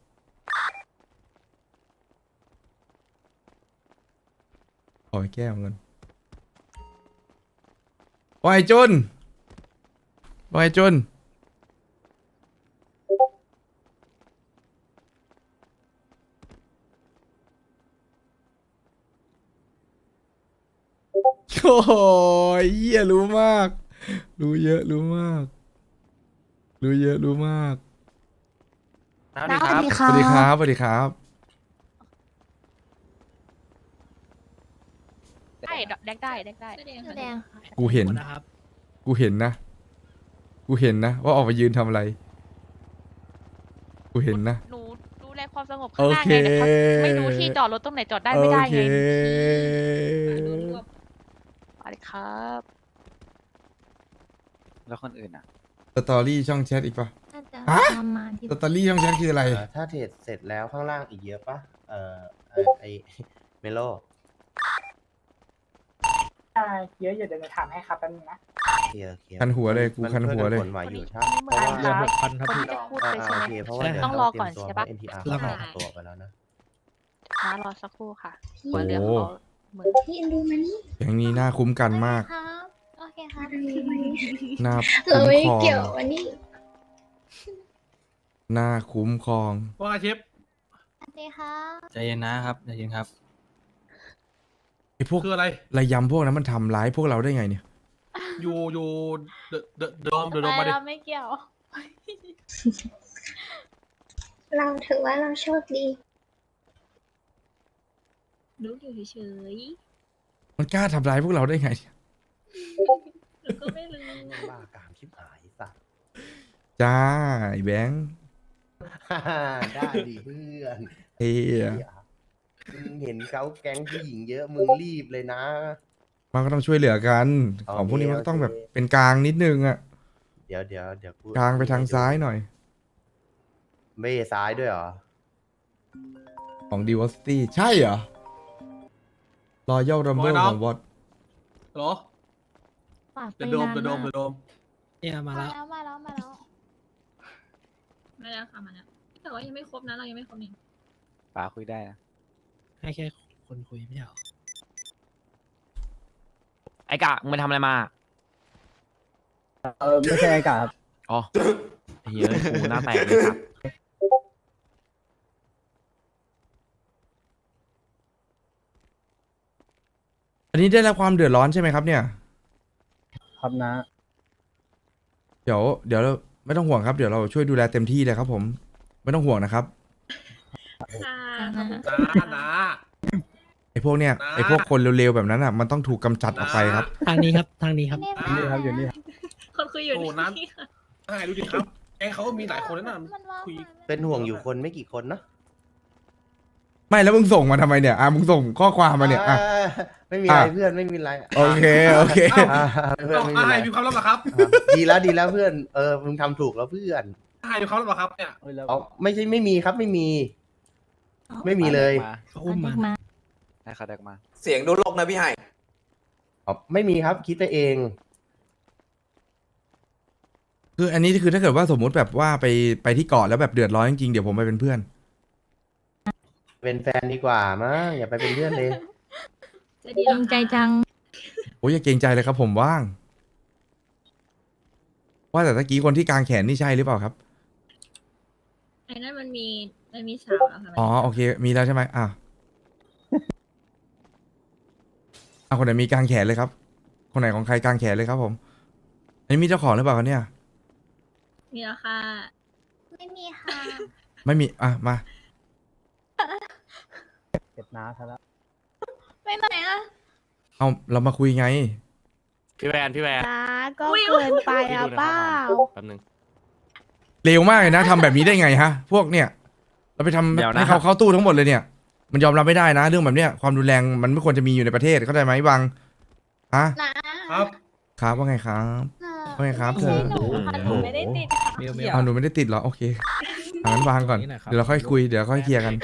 [SPEAKER 5] ขอแก้วเงินวายจุนวายจุนโอ้ยเหี้ยรู้มาก รู้เยอะรู้มาก รู้เยอะรู้มาก
[SPEAKER 8] สวัสดีครับ
[SPEAKER 5] สวัสดีครับ สวัสดีครับ
[SPEAKER 9] ได้แดกได้
[SPEAKER 1] แดง
[SPEAKER 5] กูเห็น
[SPEAKER 4] นะครับ
[SPEAKER 5] กูเห็นนะ กูเห็นนะ ว่าออกมายืนทำอะไร กูเห็นนะ
[SPEAKER 9] หนูดูแลความสงบข้างหน้า
[SPEAKER 5] โอเค
[SPEAKER 9] ไงแต่เขาไม่รู้ที่จอดรถตรงไหนจอดได้ไม่ได้
[SPEAKER 5] โอเค
[SPEAKER 9] ไงสวัสดีครับ
[SPEAKER 7] แล้วคนอื่นอ่ะ
[SPEAKER 5] สตอรี่ช่องแชทอีกปะ
[SPEAKER 1] น่าจะ
[SPEAKER 5] ฮะ
[SPEAKER 1] ประมาณที่
[SPEAKER 5] สตอรี่ช่องแชทคืออะไร
[SPEAKER 11] ถ้าเทรดเสร็จแล้วข้างล่างอีกเยอะปะไอเมโล
[SPEAKER 6] เยอะอยู่เดี๋ยวจะถามให้ครับแป๊บนึงนะ
[SPEAKER 11] โอเค
[SPEAKER 5] คันหัวเลยกู
[SPEAKER 11] มัน
[SPEAKER 5] คันหัวเลย
[SPEAKER 11] ผลไหวอยู่ถ้า
[SPEAKER 9] วันนี้
[SPEAKER 11] เพราะว่า
[SPEAKER 9] เหมือน
[SPEAKER 4] เดือน
[SPEAKER 9] ครับ
[SPEAKER 4] 6,000ครับ
[SPEAKER 9] คน
[SPEAKER 4] พี่
[SPEAKER 9] ที่จะพูดไปใช่
[SPEAKER 11] โอ
[SPEAKER 9] ไหม
[SPEAKER 11] เคเพราะว่าเดี๋ยว
[SPEAKER 9] ต้องรอก่อน
[SPEAKER 11] เตยมตัว
[SPEAKER 9] ใช่ปะ
[SPEAKER 11] เพรา NTR
[SPEAKER 4] รอ
[SPEAKER 11] เขา
[SPEAKER 4] ก่อน
[SPEAKER 11] ออกตัวไปแล้วนะ
[SPEAKER 9] มารอสักครู่ค่ะหัวเรือเขาเหมือน
[SPEAKER 1] พี่ดูมานี่
[SPEAKER 5] อย่างนี้น่าคุ้มกันมาก
[SPEAKER 1] ครับโอเคครับ
[SPEAKER 5] น่า
[SPEAKER 1] เรา
[SPEAKER 5] คุ้ม
[SPEAKER 1] ไม่
[SPEAKER 5] ครอง
[SPEAKER 1] เกี่ยววันนี้
[SPEAKER 5] หน้าคุ้มครอง
[SPEAKER 3] ว่าไงเชฟ
[SPEAKER 1] สวัสดีค่ะ
[SPEAKER 7] ใจเย็นนะครับใจเย็นครับ
[SPEAKER 5] ไอ้พวก
[SPEAKER 3] คืออะไร
[SPEAKER 5] ระยำพวกนั้นมันทำร้ายพวกเราได้ไงเนี่ย
[SPEAKER 3] อยู่เดอะโดมมาดิ
[SPEAKER 1] เราไม่เกี่ยว
[SPEAKER 12] เราถือว่าเราโชคดี
[SPEAKER 1] รู้อยู่เฉย
[SPEAKER 5] มันกล้าทำร้ายพวกเราได้ไงเนี่ย
[SPEAKER 1] ๆหนูก็ไม่รู้
[SPEAKER 11] บ้ากามชิบหายสัตว์
[SPEAKER 5] จ้าไอ้แบงค์
[SPEAKER 11] ได้ดิเพื่อน
[SPEAKER 5] เฮีย
[SPEAKER 11] มึงเห็นเขาแก๊งผู้หญิงเยอะมึงรีบเลยนะ
[SPEAKER 5] มันก็ต้องช่วยเหลือกัน
[SPEAKER 11] โอเค
[SPEAKER 5] ของพวกนี้มันก็ต้อง
[SPEAKER 11] โอเค
[SPEAKER 5] แบบเป็นกลางนิดนึงอะ
[SPEAKER 11] เดี๋ยวกู
[SPEAKER 5] กลางไปทางซ้ายหน่อย
[SPEAKER 11] ไม่ซ้ายด้วยเหรอ
[SPEAKER 5] ของ Diversity ใช่เหรอ Royal Rumble ของวอต
[SPEAKER 3] เหรอเดอะโดม
[SPEAKER 4] เนี่ยมาแล้ว
[SPEAKER 1] มาแล้วค่ะมาแล้วแต่ว่ายังไม่ครบนะเรายังไม่ครบนี่
[SPEAKER 7] ป๋าคุยได้นะ
[SPEAKER 4] ให้แค่คนคุยไม่ใช่เหรอ
[SPEAKER 8] ไอ้กะมึงไปทำอะไรมา
[SPEAKER 2] ไม่ใช่ไอ้กาครับ
[SPEAKER 8] อ๋อเฮ้ยกูหน้าแตกเลยครับ
[SPEAKER 5] อันนี้ได้รับความเดือดร้อนใช่ไหมครับเนี่ย
[SPEAKER 2] ครับนะ
[SPEAKER 5] เดี๋ยวเราไม่ต้องห่วงครับ เดี๋ยวเราช่วยดูแลเต็มที่เลยครับผม ไม่ต้องห่วงนะครับ
[SPEAKER 1] ค่ะ
[SPEAKER 3] นะ
[SPEAKER 5] ไอ้พวกเนี่ย
[SPEAKER 3] นะ
[SPEAKER 5] ไอ้พวกคนเร็วๆแบบนั้นอ่ะ มันต้องถูกกำจัดออกไปครับ
[SPEAKER 4] ทางนี้ครับทางนี้ครับ
[SPEAKER 2] นี่ครับอยู่นี่ครับ
[SPEAKER 1] คนคุยอยู่
[SPEAKER 3] โอ้นั้นใช่ดูดิครับแก๊งเขาก็มีหลายคนนะคุย
[SPEAKER 11] เป็นห่วงอยู่คนไม่กี่คนเนอะ
[SPEAKER 5] ไม่แล้วมึงส่งมาทำไมเนี่ย มึงส่งข้อความมาเนี่ย
[SPEAKER 11] ไม่มีอะไร
[SPEAKER 5] อ่ะ
[SPEAKER 11] เพื่อนไม่มีอะไร
[SPEAKER 5] โอเค โอเค
[SPEAKER 11] เพื่อนไม่มีอะไร
[SPEAKER 3] มีความลับเหรอครับ
[SPEAKER 11] ดีแล้วเพื่อนมึงทำถูกแล้วเพื่อน
[SPEAKER 3] มีความลับเหรอครับเนี่ย
[SPEAKER 11] เอาไม่ใช่ไม่มีครับไม่มี ไม่มีเลย
[SPEAKER 4] เขาอุ้มมา
[SPEAKER 7] ให้เขาเด็กมา
[SPEAKER 10] เสียงดูโลกนะพี่ไฮ
[SPEAKER 11] อ๋อไม่มีครับคิดไปเอง
[SPEAKER 5] คืออันนี้คือถ้าเกิดว่าสมมุติแบบว่าไปที่เกาะแล้วแบบเดือดร้อนจริงๆเดี๋ยวผมไปเป็นเพื่อน
[SPEAKER 11] เป็นแฟนดีกว่ามั้งอย่าไปเป็นเพื่อนเลย
[SPEAKER 1] จะดีใจจัง
[SPEAKER 5] โอ้ยอย่าเกรงใจเลยครับผมว่าง ว่าแต่ตะกี้คนที่กางแขนนี่ใช่หรือเปล่าครับ
[SPEAKER 1] ไอ้นั่นมันมีสาวแล้วค่ะ
[SPEAKER 5] อ๋อโอเค มีแล้วใช่ไหมคนไหนมีกางแขนเลยครับ คนไหนของใครกางแขนเลยครับผมอันนี้มีเจ้าของหรือเปล่าครับเนี่ย
[SPEAKER 1] มีแล้วค่ะ ไม่มีค่ะ
[SPEAKER 5] ไม่มีมา
[SPEAKER 2] เก็บน้าซะแล้ว
[SPEAKER 1] ไปไหนอะ
[SPEAKER 5] เอาเรามาคุยไง
[SPEAKER 8] พี่แวน
[SPEAKER 1] จ้าก็เกินไปอ่ะเป้า
[SPEAKER 8] แป๊บนึง
[SPEAKER 5] เร็วมากเลยนะทำแบบนี้ได้ไงฮะ พวกเนี่ย เราไปทำ
[SPEAKER 8] เดี๋ยวนะ
[SPEAKER 5] ให้เขาเข้าตู้ทั้งหมดเลยเนี่ย มันยอมรับไม่ได้นะ เรื่องแบบเนี้ยความรุนแรงมันไม่ควรจะมีอยู่ในประเทศเข้าใจไหมบังฮะ
[SPEAKER 3] ครับ
[SPEAKER 5] ครับว่าไงครับว่าไงครับเธอ
[SPEAKER 1] หนูค่ะหนูไม่ได้ติดค่ะ
[SPEAKER 4] เมลเมล
[SPEAKER 5] หนูไม่ได้ติดเหรอโอเคงั้นวางก่อน
[SPEAKER 4] นี่นะครับ
[SPEAKER 5] เดี๋ยวเราค่อยคุยเดี๋ยวค่อยเคลียร์กัน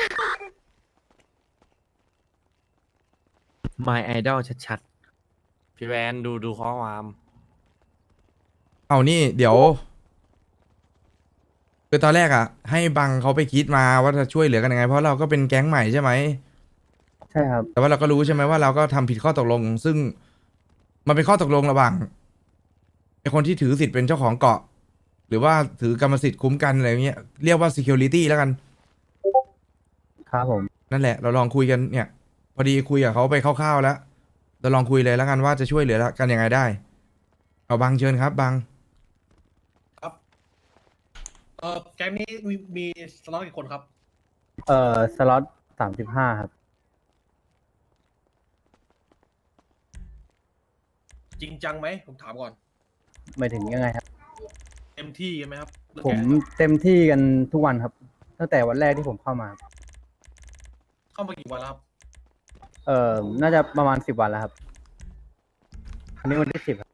[SPEAKER 8] My Idol ชัดๆ พี่แวนดูข้อความ
[SPEAKER 5] เอานี่เดี๋ยวคือตอนแรกอ่ะ ให้บังเขาไปคิดมาว่าจะช่วยเหลือกันยังไงเพราะเราก็เป็นแก๊งใหม่ใช่ไหม
[SPEAKER 2] ใช่ครับ
[SPEAKER 5] แต่ว่าเราก็รู้ใช่ไหมว่าเราก็ทำผิดข้อตกลง ซึ่งมันเป็นข้อตกลงระหว่างไอคนที่ถือสิทธิ์เป็นเจ้าของเกาะ หรือว่าถือกรรมสิทธิ์คุ้มกันอะไรเงี้ยเรียกว่า security แล้วกัน
[SPEAKER 2] ครับผม
[SPEAKER 5] นั่นแหละเราลองคุยกันเนี่ย พอดีคุยกับเขาไปคร่าวๆแล้วเราลองคุยเลยแล้วกันว่าจะช่วยเหลือกันยังไงได้ เอาบังเชิญครับบัง
[SPEAKER 3] แก๊งนี้มีสล็อตกี่คนครับ
[SPEAKER 2] สล็อต35ครับ
[SPEAKER 3] จริงจังไหมผมถามก่อน
[SPEAKER 2] หมายถึงยังไงครับ
[SPEAKER 3] เต็มที่กันไหมครับเรื่อง
[SPEAKER 2] ผม
[SPEAKER 3] แก๊ง
[SPEAKER 2] เต็มที่กันทุกวันครับ ตั้งแต่วันแรกที่ผมเข้ามาครับ
[SPEAKER 3] เข้ามากี่วันแล้วครับ
[SPEAKER 2] น่าจะประมาณ10 วันแล้วครับอันนี้วันที่10ครับ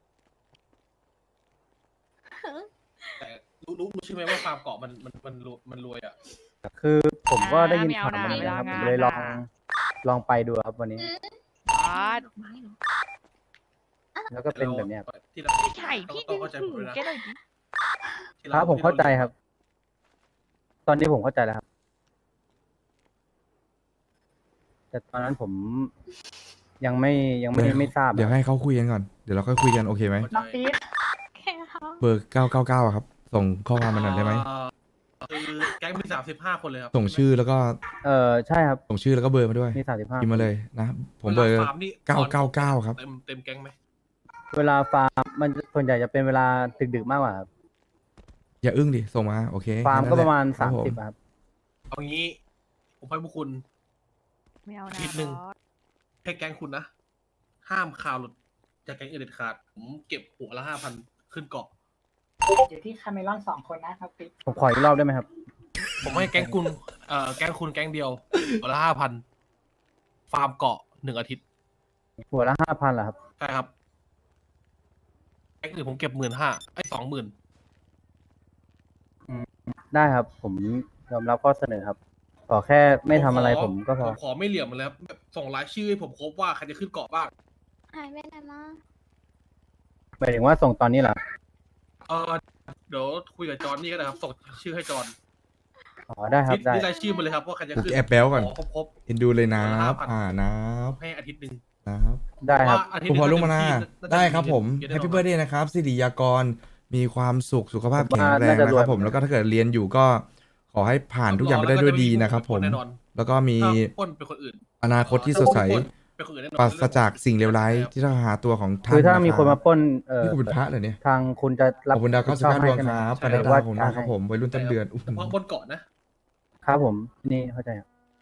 [SPEAKER 3] แต่รู้ใช่ไหมว่าฟาร์มเกาะมันรวยอ่ะ
[SPEAKER 2] คือผมก็ได้ยิน
[SPEAKER 9] ไม่เอา
[SPEAKER 2] ข่าวมา
[SPEAKER 9] นะ
[SPEAKER 2] เหมือนกันครับ
[SPEAKER 9] ไม่
[SPEAKER 2] ผ
[SPEAKER 9] เอา
[SPEAKER 2] มเลย
[SPEAKER 9] งาน
[SPEAKER 2] ลองไปดูครับวันนี้
[SPEAKER 9] บอส
[SPEAKER 1] ดอกไม้เหรอ
[SPEAKER 2] แล้วก็เป็นแบบเนี้ยครับ
[SPEAKER 3] ที่เรา
[SPEAKER 9] ไม่ใช่พี่
[SPEAKER 3] ต้
[SPEAKER 9] ดึ
[SPEAKER 3] อง
[SPEAKER 9] ง
[SPEAKER 3] เข้าใจ
[SPEAKER 9] ถื
[SPEAKER 3] ผม
[SPEAKER 9] อ
[SPEAKER 3] ด้วยนะ
[SPEAKER 9] แกหน่อยดิ
[SPEAKER 2] ครับผมเข้าใจครับ ตอนนี้ผมเข้าใจแล้วครับ แต่ตอนนั้นผมยังไม่ทราบ
[SPEAKER 5] เดี๋ยวให้เขาคุยกันก่อนเดี๋ยวเราค่อยคุยกันโอเคไหม
[SPEAKER 3] เข้าใจ
[SPEAKER 1] แค่เขา
[SPEAKER 5] เบอร์999อะครับ ส่งข้อความมาหน่อยได้ไหม
[SPEAKER 3] คือแก๊งมี35 คนเลยครับ
[SPEAKER 5] ส่งชื่อแล้วก็
[SPEAKER 2] ใช่ครับ
[SPEAKER 5] ส่งชื่อแล้วก็เบอร์มาด้วย
[SPEAKER 2] มี35
[SPEAKER 5] พิมพ์มาเลยนะ ผมเบอร์
[SPEAKER 3] วลาฟาร์มนี่
[SPEAKER 5] 999ครับ
[SPEAKER 3] เต็มแก๊งไหม
[SPEAKER 2] เวลาฟาร์มมันส่วนใหญ่จะเป็นเวลาดึกๆมากกว่าครับ
[SPEAKER 5] อย่าอึ้งดิส่งมาโอเค
[SPEAKER 2] ฟาร์ม
[SPEAKER 5] แค่
[SPEAKER 2] ก็
[SPEAKER 5] นั้น
[SPEAKER 2] ประมาณ
[SPEAKER 5] แหลคบผ
[SPEAKER 2] 30ครับ
[SPEAKER 3] เอางี้ ผมให้พวกคุณ
[SPEAKER 1] ไม่เอานะ
[SPEAKER 3] นิดนึง
[SPEAKER 1] บอส
[SPEAKER 3] ให้แก๊งคุณนะ ห้ามข่าวหลุดจากแก๊งอื่นเด็ดขาด ผมเก็บหัวละ5,000ขึ้นเกาะ
[SPEAKER 6] อยู่ที่คาเมลอน2 คนนะครับปิ๊ก
[SPEAKER 2] ผมขออีกรอบได้ไหมครับ
[SPEAKER 3] ผมให้แก๊งคุณแก๊งคุณแก๊งเดียวหัวละ5,000 ฟาร์มเกาะ1 อาทิตย์
[SPEAKER 2] หัวละ5,000เหรอครับ
[SPEAKER 3] ใช่ครับ แก๊งอื่นผมเก็บ15,000 20,000
[SPEAKER 2] ได้ครับ ผมยอมรับข้อเสนอครับ ขอแค่ไม่ทำอะไรผมก็พอ
[SPEAKER 3] ผมขอไม่เหลี่ยมมันแล้วแบบส่งรายชื่อให้ผมครบว่าใครจะขึ้นเกาะบ้าง
[SPEAKER 12] หายไปไหนมา
[SPEAKER 2] หมายถึงว่าส่งตอนนี้เหรอ
[SPEAKER 3] เดี๋ยวคุยกับจอห์นนี่ก็ได้ครับ ส่งชื่อให้จอห์น
[SPEAKER 2] อ๋อได้ครับได้
[SPEAKER 3] นี่รายชื่อมาเลยครับว่าใครจะ
[SPEAKER 5] กู
[SPEAKER 3] ขึ้น
[SPEAKER 5] แอบแบลก่อน
[SPEAKER 3] ขครบ
[SPEAKER 5] เอ็นดูเลยนะ
[SPEAKER 3] 5,000
[SPEAKER 5] นะ
[SPEAKER 3] ให้อาทิตย์หนึ่ง
[SPEAKER 5] นะครับ
[SPEAKER 2] ได้ครับ
[SPEAKER 3] ว่าอาทิต
[SPEAKER 5] คุณ
[SPEAKER 3] ย์
[SPEAKER 5] พอ
[SPEAKER 3] ห
[SPEAKER 5] ลุ
[SPEAKER 3] นึ่
[SPEAKER 5] งมานา
[SPEAKER 3] น่าจะ
[SPEAKER 5] ได้ครับผม
[SPEAKER 3] เยอะ
[SPEAKER 5] แฮ
[SPEAKER 3] แน่
[SPEAKER 5] ป
[SPEAKER 3] นอน
[SPEAKER 5] ปี้เบิร์ดเดย์นะครับสิริยากรมีความสุขสุขภาพ
[SPEAKER 2] ผม
[SPEAKER 5] แข็
[SPEAKER 2] ว่าง
[SPEAKER 5] แรง
[SPEAKER 2] น่าจะ
[SPEAKER 5] นะ
[SPEAKER 2] ร
[SPEAKER 5] คว รั
[SPEAKER 2] ย
[SPEAKER 5] บผมแล้วก็ถ้าเกิดเรียนอยู่ก็ขอให้ผ่านทุกอย่างไปได้ด้วยดีนะครับผม
[SPEAKER 3] แน่นอน
[SPEAKER 5] แล้วก็มี
[SPEAKER 3] ถ้าปล้นเป็นคนอื่น
[SPEAKER 5] อนาคตที่สดใส
[SPEAKER 3] เป็นคนอื่นแน่นอน
[SPEAKER 5] ปราศจากสิ่งเลวร้ายที่ต้องหาตัวของท่าน
[SPEAKER 2] คือถ้ามีคนมา
[SPEAKER 5] ะ
[SPEAKER 2] ปล้น
[SPEAKER 5] รับนี่กูเป็นพระเหรอเนี่ย
[SPEAKER 2] ทางคุณจะ
[SPEAKER 5] ข
[SPEAKER 2] รับ
[SPEAKER 5] อบคุณดาว
[SPEAKER 2] ผิชอบ
[SPEAKER 5] 95ด
[SPEAKER 2] ให้
[SPEAKER 5] วง
[SPEAKER 2] ใช่ไหม
[SPEAKER 5] ครับ
[SPEAKER 3] ใช่
[SPEAKER 5] ปานา
[SPEAKER 2] หรือ
[SPEAKER 5] ดา
[SPEAKER 2] ว่า
[SPEAKER 5] ผมนะครับผมวัยรุ่นต้นเดือนอุ๊ย
[SPEAKER 3] เฉพาะบนเกาะนะ
[SPEAKER 2] ครับผมนี่เข้าใจครับ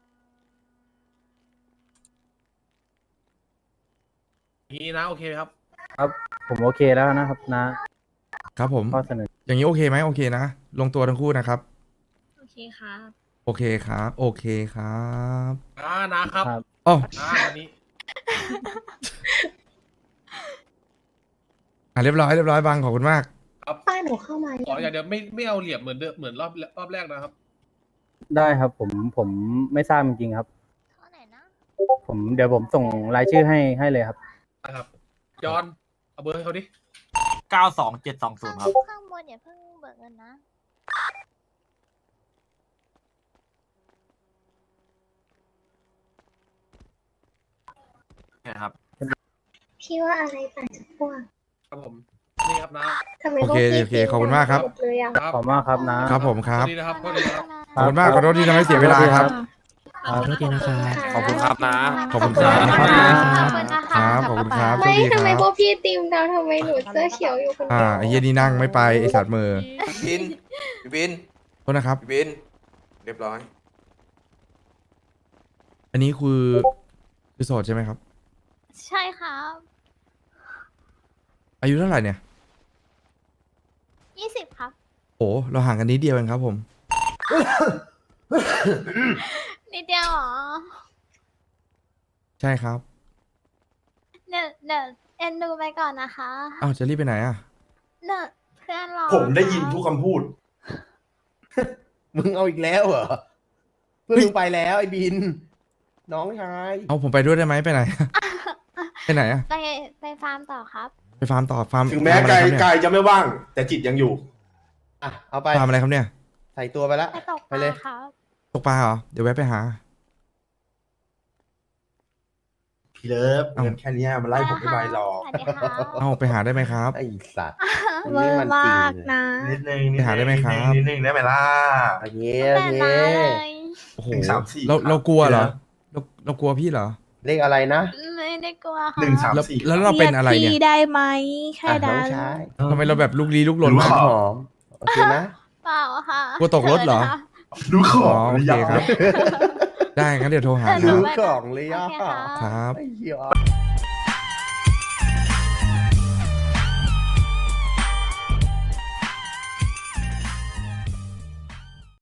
[SPEAKER 3] อย่างนี้นะโอเคไหมครับ
[SPEAKER 2] ครับ ผมโอเคแล้วนะครับนะ
[SPEAKER 5] ครับผม
[SPEAKER 2] ข้อเสนอ
[SPEAKER 5] อย่างนี้โอเคไหมโอเคนะ ลงตัวทั้งคู่นะครับ
[SPEAKER 12] โอเคครับ
[SPEAKER 5] โอเคครับ โอเคครับ
[SPEAKER 3] นะครับ
[SPEAKER 2] ครับ
[SPEAKER 5] อ๋อ
[SPEAKER 3] วันนี้
[SPEAKER 5] เรียบร้อยบังขอบคุณมาก
[SPEAKER 12] ป้าหนูเข้ามา
[SPEAKER 3] ขออย่างเดียวไม่เอาเหลี่ยมเหมือนเดิมเหมือนรอบแรกนะครับ
[SPEAKER 2] ได้ครับ ผมไม่ทราบจริงๆครับ
[SPEAKER 12] เท่าไหร่นะ
[SPEAKER 2] เดี๋ยวผมส่งรายชื่อให้เลยครับ
[SPEAKER 3] นะครับ จอห์นเอาเบอร์ให้เขาดิ
[SPEAKER 10] 92720ครับ
[SPEAKER 12] ข้างบนอย่าเพิ่งเบิกเงินนะ
[SPEAKER 10] เนี่ยครับ
[SPEAKER 12] พี่ว่าอะไรต่างจากพวก
[SPEAKER 3] ครับผม นี่ครับนะ
[SPEAKER 12] ทำไม
[SPEAKER 5] โอเค
[SPEAKER 12] พวกพี่
[SPEAKER 5] โอเคขอบคุณมากครับ
[SPEAKER 12] หมดเลยอ่ะ
[SPEAKER 2] ขอบคุณมากครับนะ
[SPEAKER 5] ครับผมครับ
[SPEAKER 3] สวัสดีนะครับสวัสดีนะครับ
[SPEAKER 5] ขอบคุณมากขอโทษที่ทำให้เสียเวลาครับ
[SPEAKER 4] ขอโทษทีนะครับ
[SPEAKER 8] ขอบคุณครับนะ
[SPEAKER 5] ขอบคุณครับ
[SPEAKER 12] ขอบคุณนะคะ
[SPEAKER 5] ครับขอบคุณครับส
[SPEAKER 12] ไม่
[SPEAKER 5] วัสดีค
[SPEAKER 12] ทำไม
[SPEAKER 5] รับ
[SPEAKER 12] พวกพี่ตีมดาวทำไมหนูเสื้อเขียวอยู่คนเดียว
[SPEAKER 5] ไอ้เหี้ยนี่นั่งไม่ไปไอ้สัตว์มือ
[SPEAKER 11] บินบิน
[SPEAKER 5] โทษนะครับ
[SPEAKER 11] บิน เรียบร้อย
[SPEAKER 5] อันนี้คือโสดใช่ไหมครับ
[SPEAKER 12] ใช่ครับ
[SPEAKER 5] อายุเท่าไหร่เนี่ย
[SPEAKER 12] 20 ครับ
[SPEAKER 5] โอ้เราห่างกันนิดเดียวเองครับผม
[SPEAKER 12] นิดเดียวเหรอ
[SPEAKER 5] ใช่ครับ
[SPEAKER 12] เดี๋ยวเอ็นดูไปก่อนนะคะ
[SPEAKER 5] อ้าวจะรีบไปไหนอ่ะ
[SPEAKER 12] เดี๋ยวเพื่อนรอ
[SPEAKER 11] ผมได้ยินทุกคำพูด มึงเอาอีกแล้วเหรอ เพื่อนมึงไปแล้วไอ้บิน น้องชาย
[SPEAKER 5] เอาผมไปด้วยได้ไหมไปไหน ไปไหนอ่ะ
[SPEAKER 12] ไปฟาร์มต่อครับ
[SPEAKER 5] ไปฟาร์มต่อฟาร์ม
[SPEAKER 11] ถึงแม้
[SPEAKER 5] ฟาร์มอะ
[SPEAKER 11] กา
[SPEAKER 5] ไร
[SPEAKER 11] ย
[SPEAKER 5] ครับเนี่ย
[SPEAKER 11] กายจะไม่ว่าง แต่จิตยังอยู่ อ่ะ เอาไป
[SPEAKER 5] ฟาร์มอะไรครับเนี่ย
[SPEAKER 11] ใส่ตัวไปแล้ว
[SPEAKER 12] ไปตกป
[SPEAKER 11] ไปเลย
[SPEAKER 12] ลาครับ
[SPEAKER 5] ตกปลาเหรอ เดี๋ยวแวะไปหา
[SPEAKER 11] พี่เลิฟเงินแค่เนี้ยมันไล่ผมไม่ไหวหรอก
[SPEAKER 12] สวัสดีครับ
[SPEAKER 5] เอาไปหาได้ไหมครับ
[SPEAKER 11] ไอ้สัตว์
[SPEAKER 12] เวอร์มากนะ
[SPEAKER 11] นิดนึง
[SPEAKER 5] ไปหาได้ไหมครับ
[SPEAKER 11] นิดนึงได้ไหมล่ะโอเคโอ
[SPEAKER 12] แต่
[SPEAKER 11] เค
[SPEAKER 12] มาเลย
[SPEAKER 5] โอ้โห
[SPEAKER 11] 1 3 4
[SPEAKER 5] เรากลัวเหรอ เรากลัวพี่เหรอ
[SPEAKER 11] เลขอะไรนะ
[SPEAKER 12] ไม่ได้กลัวค่ะ
[SPEAKER 5] แล้วเราเป็นอะไรเนี่ย
[SPEAKER 12] พี่ได้ไหมแค่
[SPEAKER 11] อ่ะน้
[SPEAKER 12] นั้
[SPEAKER 11] อง
[SPEAKER 12] น
[SPEAKER 11] ชาย
[SPEAKER 5] ทำไมเราแบบลุกลี้ลุกลน
[SPEAKER 11] รู้
[SPEAKER 5] มาก
[SPEAKER 11] หอม โอเคนะ
[SPEAKER 12] เปล่าค่ะ
[SPEAKER 5] กลัวตกรถเหรอ
[SPEAKER 11] รู้ข
[SPEAKER 5] อ๋
[SPEAKER 11] อ
[SPEAKER 5] อง โอเคครับ ได้งั้นเดี๋ยวโทรหา
[SPEAKER 12] เออ
[SPEAKER 5] ค
[SPEAKER 11] รู้
[SPEAKER 5] รับ
[SPEAKER 11] ของเลย
[SPEAKER 12] โอ
[SPEAKER 11] อ่ะ
[SPEAKER 12] เคค่ะ
[SPEAKER 5] ครับ
[SPEAKER 11] ไอ้เหี้ย